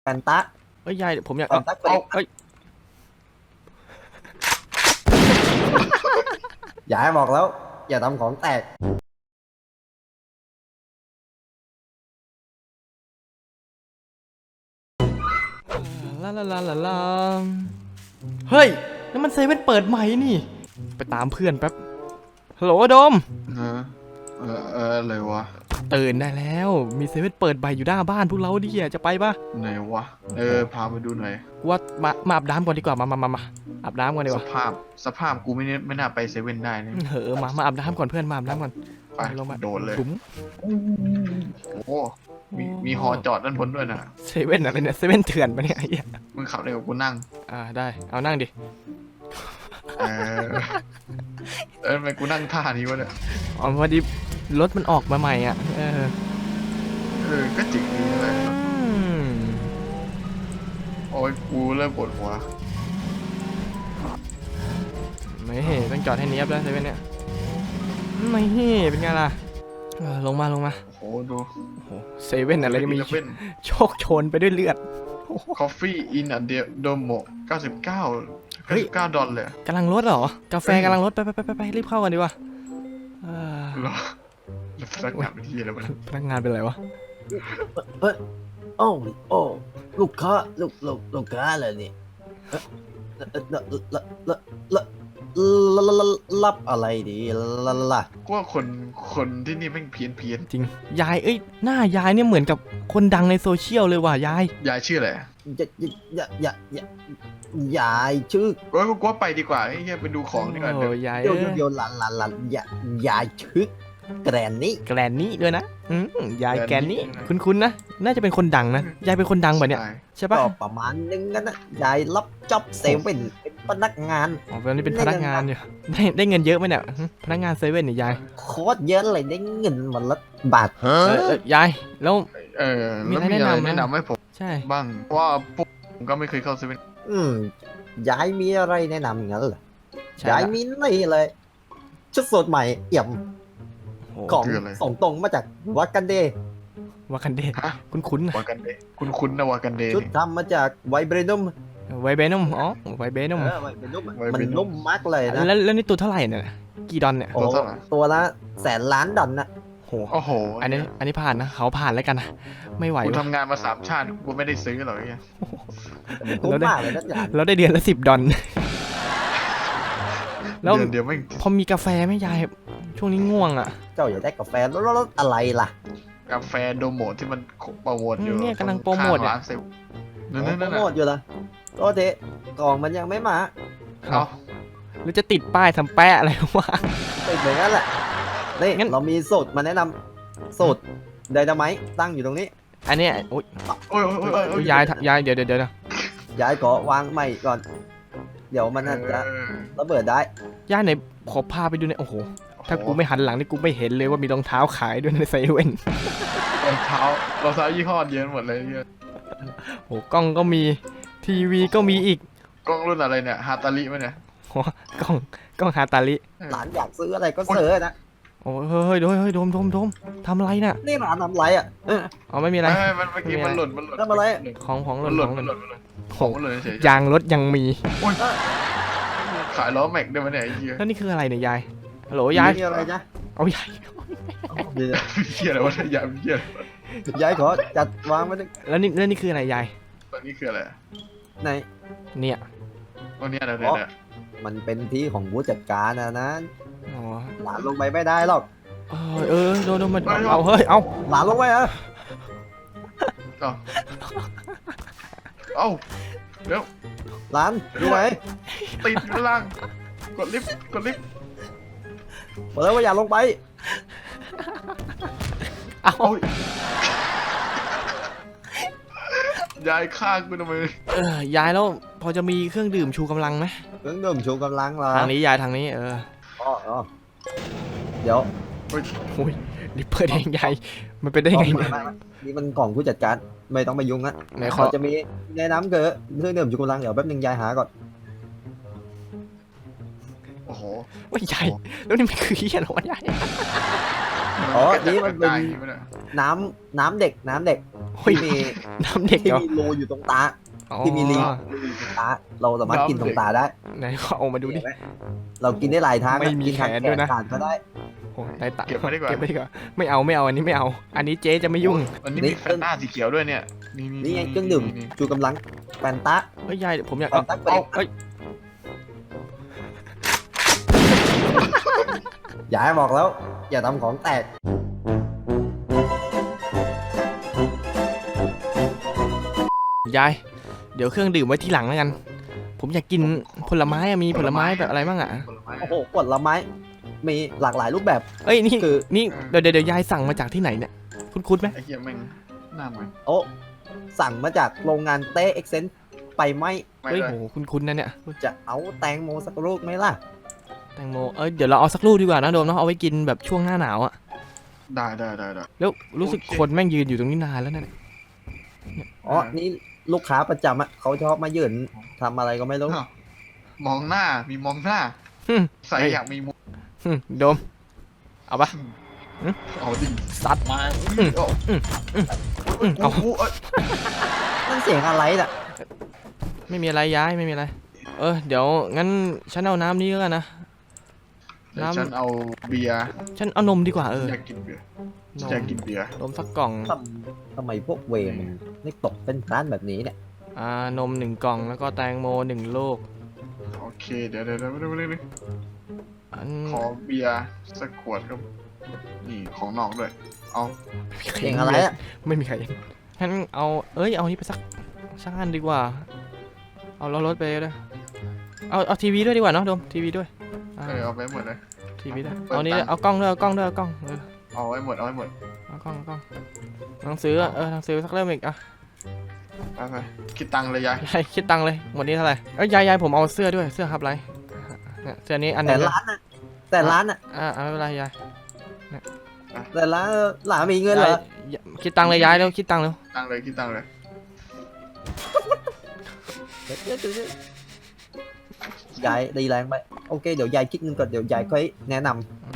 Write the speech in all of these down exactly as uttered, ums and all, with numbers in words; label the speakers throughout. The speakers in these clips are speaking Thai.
Speaker 1: แฟนตา
Speaker 2: เอ้ยยายผมอยาก
Speaker 1: แฟนตาเอา
Speaker 2: เอ้ย
Speaker 1: อย่าให้บอกแล้วอย่าทำของแตก
Speaker 2: ลาลาลาลาลาเฮ้ยนั่นมันเซเว่นเปิดใหม่นี่ไปตามเพื่อนแป๊บฮัลโหลโดม
Speaker 3: เออเออเอออะไรวะ
Speaker 2: ตื่นได้แล้วมีเซเว่นเปิดใหม่อยู่หน้าบ้านพวกเราดิจะไปปะ
Speaker 3: ไหนวะเออพาไปดูหน่อย
Speaker 2: ว่ามามาอาบน้ำก่อนดีกว่ามามามามาอาบน้ำก่อนดีก
Speaker 3: ส
Speaker 2: ว่า
Speaker 3: ภาพสภาพกูไม่น่ไม่น่าไปเซเว่นได้เนี่ย
Speaker 2: เออมามาอาบน้ำก่อนเพื่อนมาอาบน้ำก่อน
Speaker 3: ไป
Speaker 2: ลงมา
Speaker 3: โดนเลย
Speaker 2: บุ๋ม
Speaker 3: โอ้โหมีมีหอจอดด้านบนด้วยนะ
Speaker 2: เซเว่นอะไรเนี่ยเซเว่นเถื่อนปะเนี่ยไอ้เหี้ย
Speaker 3: มึงขับเลยกับกูนั่ง
Speaker 2: อ่าได้เอานั่งดิ
Speaker 3: เออเออทำไมกูนั่งท่านี้วะเนี่ย
Speaker 2: อ๋อพอดีรถมันออกมาใหม่อ่ะเออ
Speaker 3: เออก็จริงดีเลย
Speaker 2: อืม
Speaker 3: โอ้ยกูเริ่มปวดหัว
Speaker 2: ไม่ต้องจอดให้เนียบแล้วเซเว่นเนี่ยไม่เป็นไงล่ะลงมาลงมา
Speaker 3: โอ้โหดู
Speaker 2: เซเว่นอะไรมีโชคโชนไปด้วยเลือด
Speaker 3: Coffee in a Domo เก้าสิบเก้า เก้าสิบเก้าดอลเลย
Speaker 2: กำลังลดเหรอกาแฟกำลังลดไปไปไปไปรีบเข้ากันดีกว่า
Speaker 3: เหรอพนักงานเป็นที่อะไรวะ
Speaker 2: พนักงานเป็นอะไรวะ
Speaker 1: เออโอ้โอ้ลูกค้าลูกลูกลูกค้าอะไรเนี่ยรับอะไรดีล่ะล่ะ
Speaker 3: กูว่าคนคนที่นี่แม่งเพี้ยนเพี้ยน
Speaker 2: จริงยายเอ้ยหน้ายายเนี่ยเหมือนกับคนดังในโซเชียลเลยว่ะยาย
Speaker 3: ยายชื่ออะไร
Speaker 1: อย่าอย่าอย่าอย่ายายชื่อ
Speaker 3: กูว่ากูว่าไปดีกว่าไอ้เหี้ยไปดูของดีกว่า
Speaker 2: เดี๋ยวยาย
Speaker 1: เดี๋ยวเดี๋ยวหลานหลานหลานอย่ายายชื่อแกรนนี่
Speaker 2: แกรนนี่ด้วยนะยายแกรนนี่คุ้นๆนะน่าจะเป็นคนดังนะยายเป็นคนดังแบบเนี้ยใช่ปะ
Speaker 1: ก็ประมาณนึงนะยายรับจ็อบเซเว่นเป็นพนักงาน
Speaker 2: อ๋อตอนนี้เป็นพนักงานอยู่ได้ได้เงินเยอะไหมเนี่ยพนักงานเซเว่นเนี่ยยาย
Speaker 1: โคตรเยอะเลยได้เงินวันละบาท
Speaker 2: ยายแล้ว
Speaker 3: เออมีอะไรแนะนำแนะนำให้ผม
Speaker 2: ใช่
Speaker 3: บ้างว่าผมก็ไม่เคยเข้าเซเว่น
Speaker 1: อืมยายมีอะไรแนะนำงั้นเหรอยายมีนี่เลยชุดสดใหม่เอี่ยมของส่งตรงมาจากวากันเด
Speaker 2: วากันเดคุ้นคุ้น
Speaker 3: วากันเดคุ้นคุ้นนะวากันเด
Speaker 1: ชุดทำมาจากไวเบรนุม
Speaker 2: ไวเบนุมอ๋อไวเบนุม
Speaker 1: มันนุ่มมากเลยนะ
Speaker 2: แล้วแล้วนี่ตัวเท่าไหร่เนี่ยกี่ดอนเนี่ย
Speaker 1: ตัวละแสนล้านดอนนะ
Speaker 3: โอ้โห
Speaker 2: อันนี้อันนี้ผ่านนะเขาผ่านแล้วกันนะไม่ไหว
Speaker 3: กูทำงานมาสามชาติกูไม่ได้ซื้อหรอกเนี่ย
Speaker 1: คุ้มมากเลยนะ
Speaker 2: เราได้เดือนละสิบดอน
Speaker 3: แล้วเดี๋ยวไม่
Speaker 2: พอมีกาแฟไหมยายช่วงนี้ง่วงอ่ะ
Speaker 1: เจ้าอยากได้กาแฟแล้วรสอะไรล่ะ
Speaker 3: กาแฟโดโมที่มันโปรโมทอยู่
Speaker 2: เนี่ยกำลังโปรโมท
Speaker 3: ร้านเซล
Speaker 1: นั่นนั่นโปรโมทอยู่ละก็เทกล่องมันยังไม่มา
Speaker 2: เอาหรือจะติดป้ายทำแปะอะไรวะ
Speaker 1: ติดเหมือนกันแหละนี่เรามีสูตรมาแนะนำสูตรไดนาไมต์ตั้งอยู่ตรงนี้
Speaker 2: อันนี้โอ้ย
Speaker 3: โอ้ยโอ้ย
Speaker 2: ยายยายเดี๋ยวเดี๋ยวเดี๋ยว
Speaker 1: ย้ายขอวางใหม่ก่อนเดี๋ยวมันจะระเบิดได้
Speaker 2: ย่าไหนขอพาไปดูหน่อยโอ้โหถ้ากูไม่หันหลังนี่กูไม่เห็นเลยว่ามีรองเท้าขายด้วยในเซเว่น
Speaker 3: รองเท้ารองเท้ายี่ห้อเยอะหมดเลยเนี่ย
Speaker 2: โอ้กล้องก็มีทีวีก็มีอีก
Speaker 3: กล้องรุ่นอะไรเนี่ยฮาตาลิไหมเนี่ย
Speaker 2: กล้องกล้องฮาตาลิ
Speaker 1: หลานอยากซื้ออะไรก็ซื้อนะ
Speaker 2: โอ้เฮ้ยเฮ้ยโดมโดมโดมทำอะไรน่ะ
Speaker 1: นี่หลานทำไรอ่ะ
Speaker 2: อ๋อไม่มีอะไร
Speaker 3: มันเมื่อกี้มันหล่นมันหล่น
Speaker 1: ทำอะไร
Speaker 2: ของของหล่น
Speaker 3: หล่นมันหล่นของหล่นเฉย
Speaker 2: ยางรถยังมี
Speaker 3: ขายล้อแม็กได้ไหมเนี่ยไอ้เหี้ย
Speaker 2: แล้วนี่คืออะไรเนี่ยยายฮัลโหลยาย
Speaker 1: อะไรจ๊ะ
Speaker 2: เอายาย
Speaker 3: เหี้ยอะไรวะยายเหี้ย
Speaker 1: ยายขอจัดวางไว้
Speaker 2: แล้วนี่แล้วนี่คืออะไรยาย
Speaker 3: ตอนนี้คืออะไร
Speaker 1: ไหน
Speaker 2: เนี่ย
Speaker 3: ตอนนี้อะไรเนี่ย
Speaker 1: มันเป็นที่ของผู้จัดการนะนะหลานลงไปไม่ได้หรอก
Speaker 2: เออโดนโดนมันเอาเฮ้ยเอา
Speaker 1: หลานลงไปอ่ะ
Speaker 3: เอาเอาเดี๋ยว
Speaker 1: หลานอยู่ไหน
Speaker 3: ติดอยู่ล่างกดลิฟต์กดลิฟต์
Speaker 1: บอกแล้วว่าอย่าลงไป
Speaker 2: เอา
Speaker 3: ยายฆ่ากูทำไม
Speaker 2: เออยายแล้วพอจะมีเครื่องดื่มชูกำลังไหม
Speaker 1: เครื่องดื่มชูกำลังเหรอ
Speaker 2: ทางนี้ยายทางนี้เออ
Speaker 1: อ๋อเดี๋ยว
Speaker 2: โอ้ยรีบเปิดเองยายมันเป็นได้ไงเนี่ย
Speaker 1: นี่มันกล่องผู้จัดการไม่ต้องไปยุ่งนะไหนขอจะมีแนะนำเกิดเครื่องดื่มชูกำลังเดี๋ยวแป๊บนึงยายหาก่อน
Speaker 3: โอ้โห
Speaker 2: ว่ายายแล้วนี่มันคือเหี้ยหรอวะยาย
Speaker 1: อ๋อนี่มันเป็น
Speaker 3: ได้อย่างงี้ไม่ได้
Speaker 1: น้ำน้ำเด็กน้ำเด็ก
Speaker 2: เฮ้ย
Speaker 1: ที่มี
Speaker 2: น้ำเด็ก
Speaker 1: ที่
Speaker 2: เหรอ
Speaker 1: มีรูอยู่ตรงตา
Speaker 2: อ๋อ
Speaker 1: ที่มีรีรูอยู่ตรงตาเราสามารถกินตรงตาได้
Speaker 2: ไหนขอเอามาดูดิ
Speaker 1: เห็นไหมเรากินได้หลายทาง
Speaker 2: ไม่มี
Speaker 1: กินทาง
Speaker 2: แขนด้วยนะ
Speaker 1: ขาดก็ได้
Speaker 2: โอ้ยได้ตังค์
Speaker 3: เก็บไว้ดีกว่า
Speaker 2: เก็บไว้ดีกว่าไม่เอาไม่เอาอันนี้ไม่เอา อันนี้เจ๊จะไม่ยุ่ง
Speaker 3: อันนี้มีแฟนต้าสีเขียวด้วยเนี่ยนี่
Speaker 1: นี่ไงเครื่องดื่ม
Speaker 3: นี่
Speaker 1: ชูกำลังแฟนตา
Speaker 2: เฮ้ยยายผมอยาก
Speaker 1: แฟ
Speaker 2: เอา
Speaker 1: นตา
Speaker 2: เอาเอ้ย
Speaker 1: อย่าให้บอกแล้ว อย่าทำของแตก
Speaker 2: ยายเดี๋ยวเครื่องดื่มไว้ทีหลังแล้วกัน ผมอยากกินผลไม้อะมีผลไม้แบบอะไรบ้างอะ
Speaker 3: ผลไม้
Speaker 1: โอ้โหผลไม้มีหลากหลายรูปแบบ
Speaker 2: เอ้ยนี่
Speaker 1: คือ
Speaker 2: นี่เดี๋ยวเดี๋ยวเดี๋ยวยายสั่งมาจากที่ไหนเนี่ยคุณคุณไหม
Speaker 3: ไอ้เหี้ยแม่งหน้าเหมือน
Speaker 1: โอ้สั่งมาจากโรงงานเต้เอ็กเซนไปไหม
Speaker 3: ไม่
Speaker 2: เฮ้ย
Speaker 3: เลย
Speaker 2: โหคุณคุณนะเนี่ย
Speaker 1: จะเอาแตงโมสักลูกไหมล่ะ
Speaker 2: แตงโมเอ้ยเดี๋ยวเราเอาสักลูกดีกว่านะโดมเนาะเอาไว้กินแบบช่วงหน้าหนาวอะ
Speaker 3: ได้ได้ได้ได้
Speaker 2: แล้วรู้สึก
Speaker 3: โอเค
Speaker 2: คนแม่งยืนอยู่ตรงนี้นานแล้วเนี่ย
Speaker 1: อ๋อ นี่ลูกค้าประจำอะเขาชอบมายืนทำอะไรก็ไม่รู้
Speaker 3: อ้าวมองหน้ามีมองหน้า
Speaker 2: หึ
Speaker 3: ใส่อยากมีมุก
Speaker 2: หึโดมเอาปะ
Speaker 3: เอาดิ
Speaker 2: ซัด
Speaker 3: มา
Speaker 2: อืม
Speaker 3: เอา
Speaker 2: อืมเอา
Speaker 3: กูเอ้ย
Speaker 1: นั่นเสียงอะไรน่ะ
Speaker 2: ไม่มีอะไรย้ายไม่มีอะไร เออเดี๋ยวงั้นฉันเอาน้ำนี้แล้วกันนะ
Speaker 3: เดี๋ยว
Speaker 2: น้ำ
Speaker 3: ฉันเอาเบียร์
Speaker 2: ฉันเอานมดีกว่าเออ
Speaker 3: อยากกินเบียร์
Speaker 2: นม
Speaker 3: อยากกินเบียร์
Speaker 2: นมสักกล่อง
Speaker 1: ทำทำไมพวกเวรมันไม่ตกเป็นร้านแบบนี้เนี่ย
Speaker 2: อ่านมหนึ่งกล่องแล้วก็แตงโมหนึ่งลูก
Speaker 3: โอเคเดี๋ยวเดี๋ยวเดี๋ยวเดี๋ยวเดี๋ยวเดี๋ยว
Speaker 2: อัน
Speaker 3: ขอเบียร์สักขวดครับนี่ของนอกด้วยเอา
Speaker 1: เสียงอะไรอะ
Speaker 2: ไม่มีใครเห็นงั้นเอาเอ้ยเอานี้ไปสักสักอันดีกว่า เอาล้อรถไปด้วยเอาเอาทีวีด้วยดีกว่าเนาะโดมทีวีด้วยอ่า
Speaker 3: เออเอาไปหมดเลย
Speaker 2: ทีวีด้วย
Speaker 3: เปิด
Speaker 2: เอานี้
Speaker 3: ตังค์
Speaker 2: เอากล้องด้วยเอากล้องด้วยเอากล้องเออ
Speaker 3: เอาไว้หมดเอาไว้หมด
Speaker 2: เอากล้องเอากล้องหนังสืออะเออหนังสือสักเล่มอีกอ่ะ
Speaker 3: ไปไปคิดตังค์เลยยาย
Speaker 2: ยายคิดตังค์เลยหมดนี้เท่าไหร่เอ้ยยายยายผมเอาเสื้อด้วยเสื้อฮับไรเนี่ยเสื้อนี้อันหนึ
Speaker 1: แต่
Speaker 2: งนะ
Speaker 1: ร้านน่ะแต่ร้านน่ะ
Speaker 2: อ่าอ่าไม่เป็นไรยาย
Speaker 1: แต่ร้านหลานมีเงินเหรอ
Speaker 2: ยายคิดตังค์เลยยายเร็วคิดตังค์เร็ว
Speaker 3: ตังค์เลยคิดตังค์เลย
Speaker 1: ยายดีแรงไปโอเคเดี๋ยวยายคิดเงินก่อนเดี๋ยวยายค่อยแนะน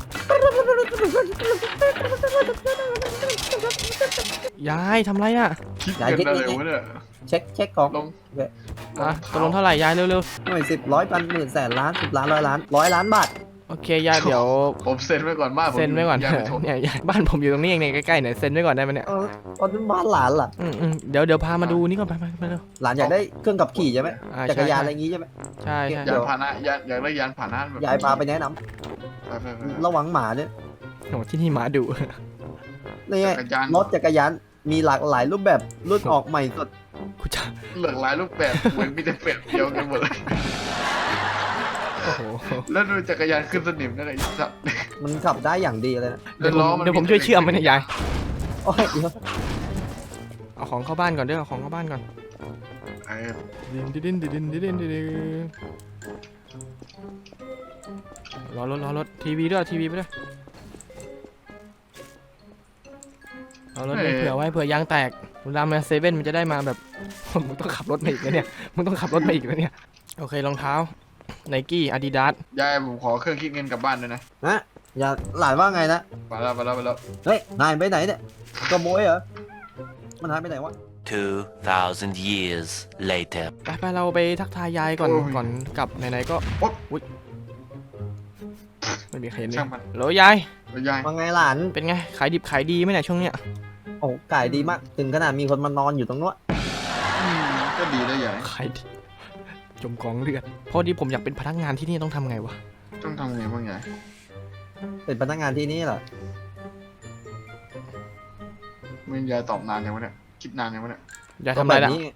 Speaker 2: ยายทำไรอ่ะ
Speaker 3: คิดเงินอะไรวะเนี่ย
Speaker 1: ำเช็คเช็คของ
Speaker 3: ลง
Speaker 2: อ่ะตกลงเท่าไหร่ยายเร็ว
Speaker 1: หน่วยสิบร้อยพันหมื่นแสนล้านสิบล้านร้อยล้านร้อยล้านบาท
Speaker 2: ๆโอเคยายเดี๋ยว
Speaker 3: ผมเซ็นไว้ก่อนบ้านผม
Speaker 2: เซ็นไว้ก่อน
Speaker 3: ยายไปชม
Speaker 2: เนี่ยยายบ้านผมอยู่ตรงนี้เองเนี่ยใกล้ๆเนี่ยเซ็นไว้ก่อนได้ไหมเนี่ย
Speaker 1: เออตอนนั้นบ้านหลานล่ะ
Speaker 2: อืมอืมเดี๋ยวเดี๋ยวพามาดูนี่ก่อนไปไปไปเร็ว
Speaker 1: หลานอยากได้เครื่องขับขี่ใช่ไหม
Speaker 2: อ่า
Speaker 1: จักรยานอะไร
Speaker 2: ใช่
Speaker 1: อย่างงี้ใช่ไหม
Speaker 2: ใช่ใช่
Speaker 1: เดี๋
Speaker 3: ยาย นพาหนะยานอยากได้ยานพาหนะแบบ
Speaker 1: ยายพาไปแนะน
Speaker 3: ไปไปไป
Speaker 1: ำระวังหมาเนี่ย
Speaker 2: โอ้ที่นี่หมาดุ
Speaker 1: นี่ไง
Speaker 3: จักรยาน
Speaker 1: รถจักรยานมีหลากหลายรูปแบบรุ่นออกใหม่สด
Speaker 2: กูจะ
Speaker 3: เหลือกหลายรูปแบบเหมือนมีแต่เป็ดเดียวกันหมดเลย
Speaker 2: โอ้โห
Speaker 3: แล้วดูจักรยานขึ้นสนิมนั่นไอ้สัตว์
Speaker 1: มันขับได้อย่างดีเลยนะ
Speaker 2: เดี๋ยวผมเดี๋ยวผมช่วยเชื่อมมันนะยาย
Speaker 1: โอ้ยเดี๋ยว
Speaker 2: เอาของเข้าบ้านก่อนเด้อเอาของเข้าบ้านก่อน
Speaker 3: ไอ้
Speaker 2: ดินดินดินดินดินดินดินดินรอรถรอรถทีวีด้วยทีวีไปด้วยเอารถไปเผื่อไว้เผื่อยางแตกเวลามาเซเว่นมันจะได้มาแบบ มึงต้องขับรถมาอีกแล้วเนี่ยมึงต้องขับรถมาอีกแล้วเนี่ยโอเครองเท้าไนกี้อาดิดาส
Speaker 3: ยายผมขอเครื่องคิดเงินกลับบ้านด้วยนะ
Speaker 1: ฮะอย่าหลานว่าไงนะ
Speaker 3: ไปแล้วไปแล้วไปแล้ว
Speaker 1: เฮ้ยนายไปไหนเนี่ยขโมยเหรอมันหายไปไหนวะ
Speaker 4: Two thousand years later.
Speaker 2: ไปไปเราไปทักทายยายก่อนก่อนกลับไหนๆก็อุ๊ยไม่มีใครเห็นเลย
Speaker 3: ช่างมัน
Speaker 2: โหลยาย
Speaker 3: แล้วยาย
Speaker 1: ว่าไงหลาน
Speaker 2: เป็นไงขายดิบขายดีไหมเนี่ยช่วงเนี้ย
Speaker 1: โอ้ไก่ดีมาก ถึงขนาดมีคนมานอนอยู่ตรงนู้น
Speaker 3: อืมก็ดีแล้วยาย
Speaker 2: ขายดีจมกองเลือดพอดีผมอยากเป็นพนักงานที่นี่ต้องทำไงวะ
Speaker 3: ต้องทำไงบ้างยาย
Speaker 1: เป็นพนักงานที่นี่เหรอ
Speaker 3: ไม่ยายตอบนานยังวะเนี่ยคิดนานยังวะเนี่ย
Speaker 2: ยายทำอะไรล่ะ
Speaker 1: ก็แบบนี้